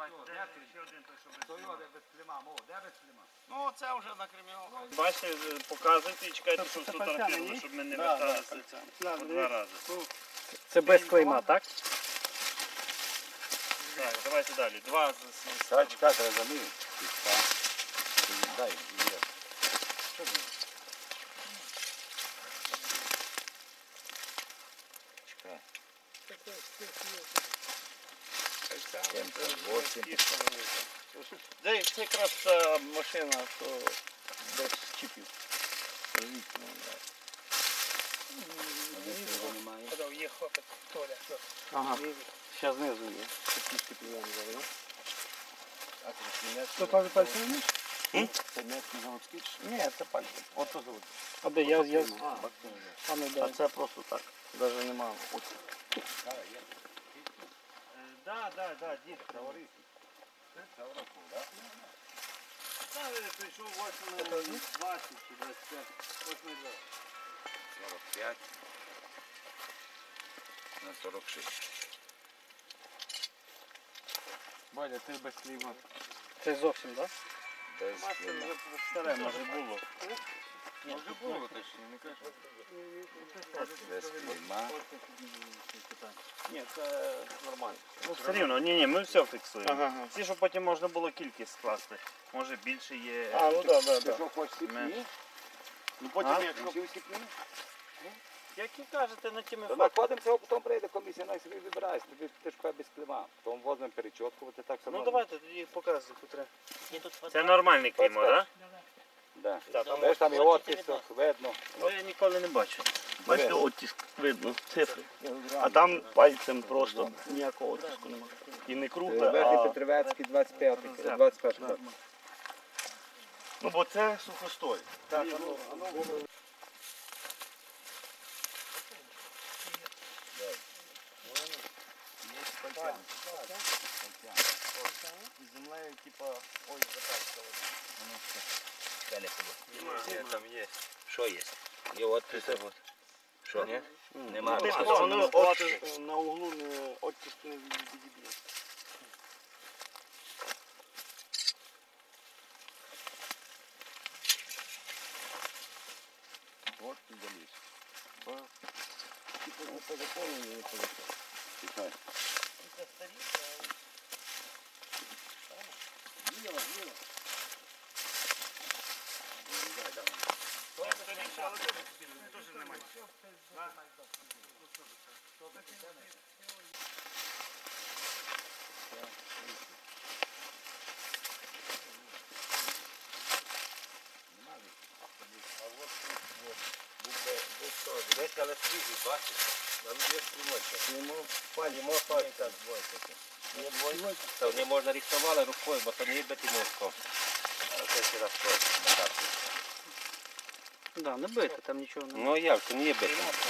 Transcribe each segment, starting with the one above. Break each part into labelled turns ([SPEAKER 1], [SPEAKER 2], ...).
[SPEAKER 1] Ну, це вже на кримінал.
[SPEAKER 2] Бачите, показуйте і чекайте, щоб сфотографували, щоб ми не верталися по 2 рази.
[SPEAKER 3] Це без клейма, так?
[SPEAKER 2] Так, давайте далі. 2
[SPEAKER 4] Так, чекай, треба замінити. Дай, є. Що буде? Чекай. 78.
[SPEAKER 1] Це якраз та машина, що без чіпів.
[SPEAKER 3] Є хлопець, Толя.
[SPEAKER 1] Ага. Ще знизу є. Такі чіпи я не говорю.
[SPEAKER 3] Що пане пальцем вмієш?
[SPEAKER 4] Це м'ясний заводський чи що?
[SPEAKER 1] Ні, це пальці. Ото завод.
[SPEAKER 3] А де я? А ну
[SPEAKER 1] А
[SPEAKER 3] дай.
[SPEAKER 1] це просто так. Навіть немає. Оце.
[SPEAKER 2] Так, дід. Прийшов 8:20 чи 25. 8:20.
[SPEAKER 4] 45 на 46.
[SPEAKER 1] Валя, ти без клейма.
[SPEAKER 3] Це зовсім, так?
[SPEAKER 4] Без
[SPEAKER 2] Старе, може було.
[SPEAKER 1] Може було точно, не кажу.
[SPEAKER 4] без клейма.
[SPEAKER 1] Ні, це нормально.
[SPEAKER 2] Ну, все рівно, ні, ми все фіксуємо.
[SPEAKER 1] Ага.
[SPEAKER 2] Ці, щоб потім можна було кількість скласти. Може більше є.
[SPEAKER 1] А, ну так,
[SPEAKER 4] Ти
[SPEAKER 1] так.
[SPEAKER 4] що, хочеш сіпні?
[SPEAKER 1] Ну
[SPEAKER 2] А?
[SPEAKER 1] потім як
[SPEAKER 4] Хотів сіпні?
[SPEAKER 2] Які кажете на тими
[SPEAKER 4] То
[SPEAKER 2] фактами?
[SPEAKER 4] знаходимося, а потім прийде комісія, най собі вибирається. Ти ж без клейма. Потім возьмемо перечоткувати, так само.
[SPEAKER 2] Ну давайте тоді показуй, котре. Це нормальний клеймо, так?
[SPEAKER 4] Да.
[SPEAKER 2] Так,
[SPEAKER 4] Знаєш, там і оттисок, видно.
[SPEAKER 2] Ну я ніколи не бачив.
[SPEAKER 1] бачите, оттиск видно, цифри. А там пальцем просто ніякого оттиску немає. І не кругле,
[SPEAKER 4] Верхній
[SPEAKER 1] а...
[SPEAKER 4] Петрівецький, 21
[SPEAKER 1] Ну бо це сухостой.
[SPEAKER 4] Так,
[SPEAKER 1] З землею, типа, ой, затачка.
[SPEAKER 4] там є. Що є? Є оттисок. Що, ні? Нема.
[SPEAKER 1] Воно оттиск на углу не оттиск не відіб'є.
[SPEAKER 4] От ти заліз. Типу, не по закону, не по закону. Тихай. Десь, але свіжий, бачиш? Там є стрімочка. Йому пальця двойка. Це не можна рисували рукою, бо то не є бетимовсько. Це ще раз мотати.
[SPEAKER 3] Да, не бити, там нічого не.
[SPEAKER 4] Ну як, це не є бетимовсько.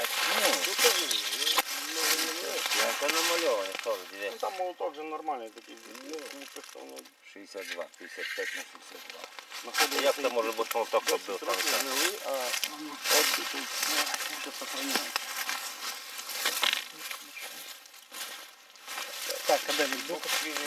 [SPEAKER 4] Це намальоване, що ви,
[SPEAKER 1] Ну
[SPEAKER 4] дивіться.
[SPEAKER 1] там молоток же нормальний такий. Не писав,
[SPEAKER 4] 62, 55 на 62.
[SPEAKER 1] знаходиться.
[SPEAKER 4] Як це може бути молоток, щоб був там?
[SPEAKER 1] Трохи гнилий, а оттиск ще сохраняє.
[SPEAKER 3] Так, а де він був?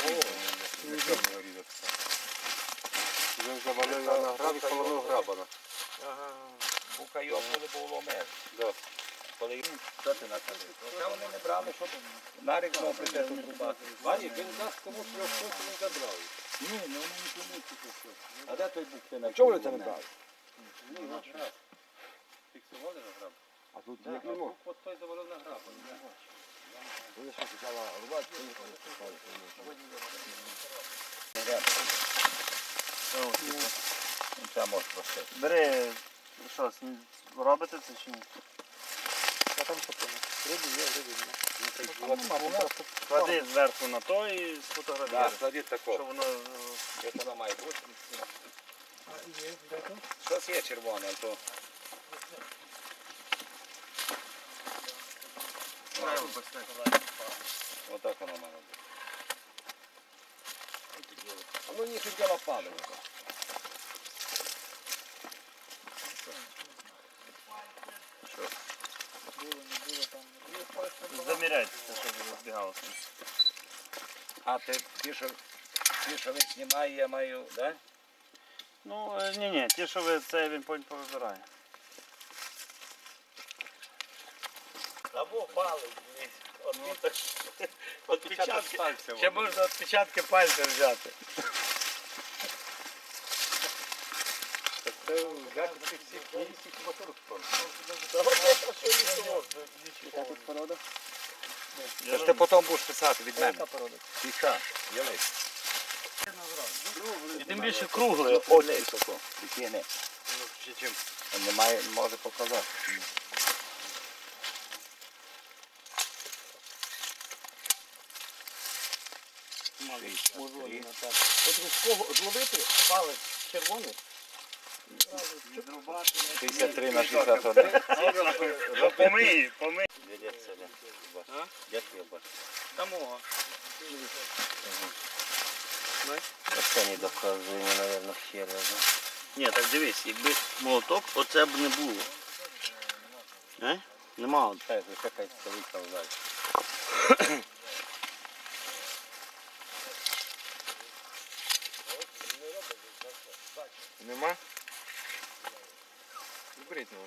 [SPEAKER 4] Вже завалили на грабі, колону грабана. Бука йобнули, було мер. Коли що ти накажеш? Це вони не брали, щоб нарік знову прийде тут рубати. Вані, він дасть комусь його щось, він забрав. Ні, ну вони не помітили щось. А де той бук ти на чому вони це не брали? Ні, на граб. Фіксували на граб? А тут як не мог? От той завалив на граб. Вони що, почала рубати, то їх це може просити.
[SPEAKER 2] Бери, що, робите це чи ні?
[SPEAKER 3] А там що там? Риби є, риби немає.
[SPEAKER 2] Клади зверху на то і
[SPEAKER 4] Так,
[SPEAKER 2] сфотографіруй.
[SPEAKER 4] складіть
[SPEAKER 2] Що
[SPEAKER 4] тако.
[SPEAKER 2] воно...
[SPEAKER 4] Як воно має бути? Щось є червоне, а то... Отак воно має бути. А ну ніхто діло падає.
[SPEAKER 2] Заміряйте, щоб збігалося.
[SPEAKER 4] А ті, що він знімає, я маю, да?
[SPEAKER 2] Ну, ні, ті, що ви це він потім повибирає.
[SPEAKER 1] Або палець. Отпечатки
[SPEAKER 3] пальця.
[SPEAKER 1] Ще можна відпечатки пальця взяти.
[SPEAKER 3] Це взяти цих всіх книжців моторів спору. Яка тут порода?
[SPEAKER 4] Це ж ти потім будеш писати від мене.
[SPEAKER 3] Яка порода?
[SPEAKER 4] Тиша, ялись.
[SPEAKER 1] І тим більше кругле.
[SPEAKER 4] Олей, тако, прикине.
[SPEAKER 3] Ну, ще чим?
[SPEAKER 4] Немає, може показати.
[SPEAKER 1] От з кого зловити палець червоний,
[SPEAKER 4] 63 на 61.
[SPEAKER 2] Помий.
[SPEAKER 4] Як я бачу?
[SPEAKER 1] дамо.
[SPEAKER 4] Це не доказує, мабуть, ще раз.
[SPEAKER 1] Ні, так дивись, якби молоток, оце б не було. Нема.
[SPEAKER 4] Це якась столиця взагалі.
[SPEAKER 3] Нема? Беріть ну.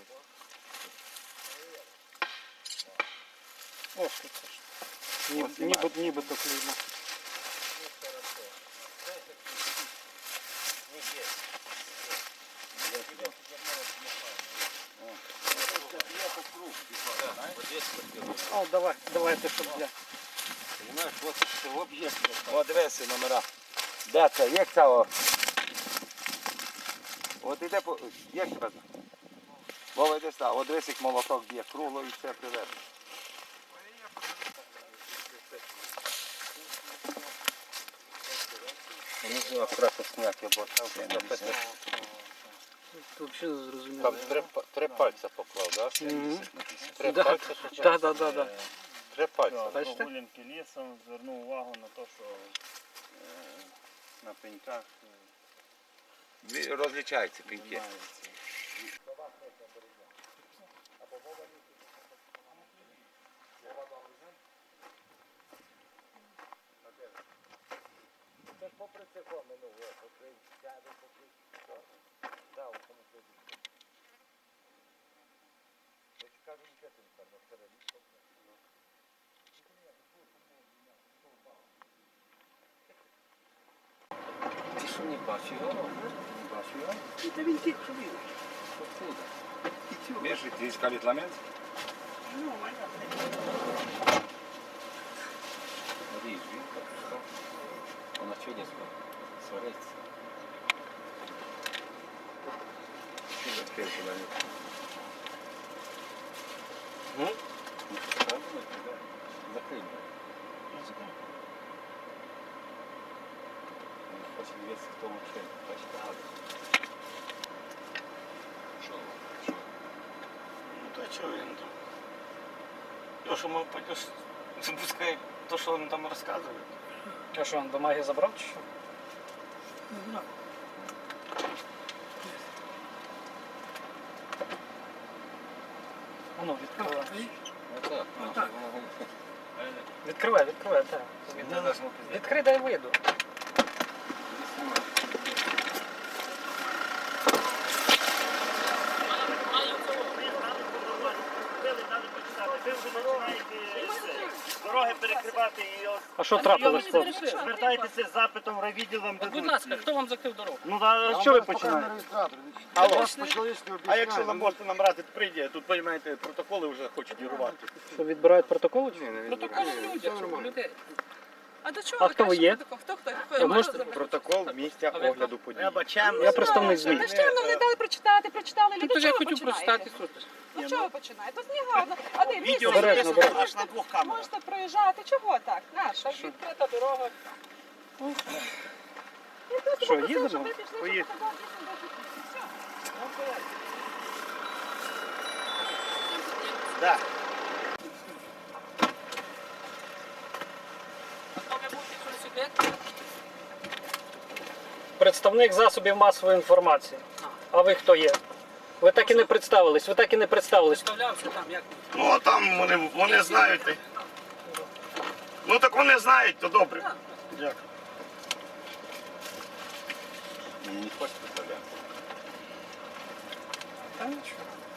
[SPEAKER 1] Ось тут. Нібито клеймо. О, давайте, щоб я.
[SPEAKER 4] Понимаєш, це об'єкт. О, дивися номера. Де це? Як це? От іде по... Як це? Вова, йде сюди. От дивись, як молоток б'є кругло і все приведе. Вони акуратно зняти, бо там написано.
[SPEAKER 1] Тут взагалі не зрозуміло.
[SPEAKER 3] Там три пальця поклав, так? Три
[SPEAKER 1] Да.
[SPEAKER 3] пальця.
[SPEAKER 1] Да.
[SPEAKER 3] Три пальця.
[SPEAKER 1] Бачите?
[SPEAKER 2] Прогулянки лісом, звернув увагу на те, що на пеньках
[SPEAKER 4] Розлічаються пінки.
[SPEAKER 2] знімається.
[SPEAKER 4] Це ж попри це минуло, попри сяду, попри да, у тому тоді. Я ж кажу, нічого там на стороні. Ти що не бачив його? Не бачив його?
[SPEAKER 1] Та він тільки що він.
[SPEAKER 4] Откуда? Бежит, ты искали ламент? Смотри, видишь, что? Он на что не сварится? Что закрыл ламент? Закрыть. Хочет вес в том, что почти.
[SPEAKER 1] Ну та чого він там? То, що ми запускає то, що він там розказує.
[SPEAKER 5] А що, він бумаги забрав чи що? А ну, відкривай.
[SPEAKER 4] Так.
[SPEAKER 5] Відкривай, так. Відкрий, дай вийду.
[SPEAKER 2] Ви вже починаєте дороги перекривати і
[SPEAKER 5] А що трапилось, хлопці?
[SPEAKER 2] звертайтеся з запитом в райвідділ вам
[SPEAKER 5] Будь
[SPEAKER 2] дадуть.
[SPEAKER 5] ласка, хто вам закрив дорогу?
[SPEAKER 1] Ну а що ви починаєте? Алло. А
[SPEAKER 3] А
[SPEAKER 1] якщо ви можете нам брати, прийде, тут, розумієте, протоколи вже хочуть вірувати.
[SPEAKER 5] Що відбирають протоколи?
[SPEAKER 6] Протокол людей. А до чого
[SPEAKER 5] А
[SPEAKER 6] ви
[SPEAKER 5] хто ви
[SPEAKER 6] кажете
[SPEAKER 5] є?
[SPEAKER 6] протокол? Хто?
[SPEAKER 5] Ви можете?
[SPEAKER 3] Протокол місця
[SPEAKER 5] А ви
[SPEAKER 3] огляду подій.
[SPEAKER 5] Я представник ЗМІ.
[SPEAKER 6] Та що нам не дали прочитати, прочитали люди.
[SPEAKER 5] Тож
[SPEAKER 6] Чого
[SPEAKER 5] я
[SPEAKER 6] ви
[SPEAKER 5] хотів
[SPEAKER 6] починаєте?
[SPEAKER 5] прочитати сутись.
[SPEAKER 6] Ну чого ви починаєте? Тут не гарно. А де
[SPEAKER 1] Відео
[SPEAKER 5] Обережно, обережно.
[SPEAKER 1] аж на двох камерах.
[SPEAKER 6] Можете проїжджати. Чого так? Нащо?
[SPEAKER 5] Відкрита дорога.
[SPEAKER 6] Я просто
[SPEAKER 5] Що,
[SPEAKER 6] попросила,
[SPEAKER 5] їдемо?
[SPEAKER 6] щоб ви пішли, щоб
[SPEAKER 1] Поїхали.
[SPEAKER 6] показали, дійсно, де тут. Все.
[SPEAKER 1] Так.
[SPEAKER 5] Представник засобів масової інформації. А ви хто є? Ви так і не представились,
[SPEAKER 1] Ну а там вони знають. Ну так вони знають, то добре. Дякую.
[SPEAKER 4] Мені не хочеться представляти.
[SPEAKER 6] Та нічого.